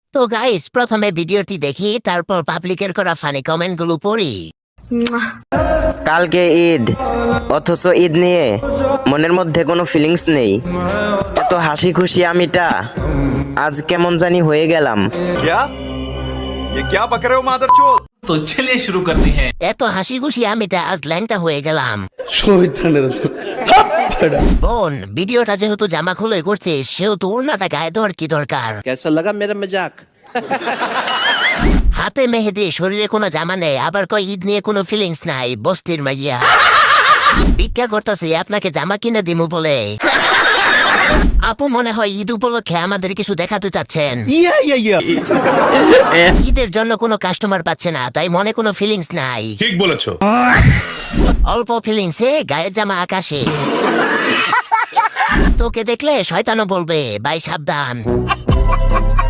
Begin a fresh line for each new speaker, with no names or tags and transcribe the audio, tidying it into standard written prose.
তো গাইস, প্রথমে ভিডিওটি দেখি, তারপর পাবলিকের করা ফানি কমেন্টগুলো পড়ি।
কালকে ঈদ, অথচ ঈদ নিয়ে মনের মধ্যে কোনো ফিলিংস নেই। এত হাসি খুশি আমিটা আজ কেমন জানি হয়ে গেলাম।
क्या ये क्या बक रहे हो मादरचोद।
तो चलिए शुरू करते हैं।
এত হাসি খুশি আমিটা আজ ল্যাংটা হয়ে গেলাম। বোন, ভিডিওটা যেহেতু জামা খুলে করছে, সেহেতু ওড়নাটা গায়ে দেওয়ার কি দরকার?
कैसा लगा मेरा मजाक?
হাতে মেহেদি, শরীরে কোনো জামা নেই, আবার কয় ঈদ নিয়ে কোনো ফিলিংস নাই। বস্তির মাইয়া ভিক্ষা করতেছে আপনাকে জামা কিনে দিমু বলে। আপু, মনে হয় ঈদ উপলক্ষে আমাদের কিছু দেখাতে চাচ্ছেন। ঈদের জন্য কোনো কাস্টমার পাচ্ছে না, তাই মনে কোনো ফিলিংস নাই।
ठीक বলেছো।
অল্প ফিলিংসে গায়ের জামা আকাশে। তোকে দেখলে শয়তানও বলবে, ভাই সাবধান।